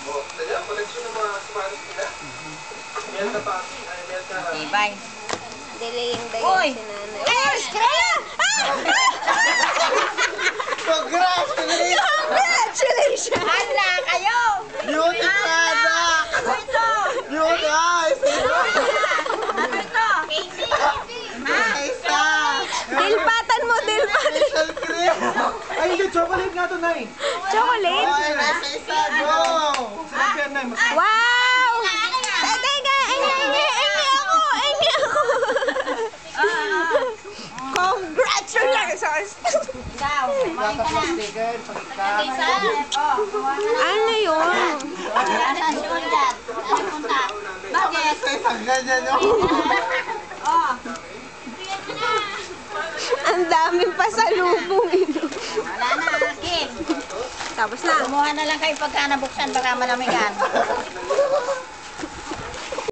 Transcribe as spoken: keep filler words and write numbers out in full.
Oh, kaya koleksyon ng mga Spanish nila. Melka pa. Ay, Melka. Ibay. Delaying day yung sinanay. Ay, screen! Congratulations! Congratulations! Hala kayo! Beauty product! Ano ito? Beauty eyes! Ano ito? Casey. Isa! Dilpatan mo, dilpatan. Facial cream! Ay, hindi. Chocolate nga to, Nay. Chocolate? Ay, nasa isa, go! Sabi yan, Nay. Mas... Wow! Teka, engi, engi, engi ako, engi ako. Congratulations! Ikaw, kumain ka na. sticker, pagka. Oh, kuha ka na. Ano yun? Nasaan si Undat? Ano punta? Bakit? Sa isang ganyan yun. Oh. Ang daming pasalubong ito. Wala na, Kim. Tapos na. Kumuha na lang kayo pagka nabuksan, baka malamigan.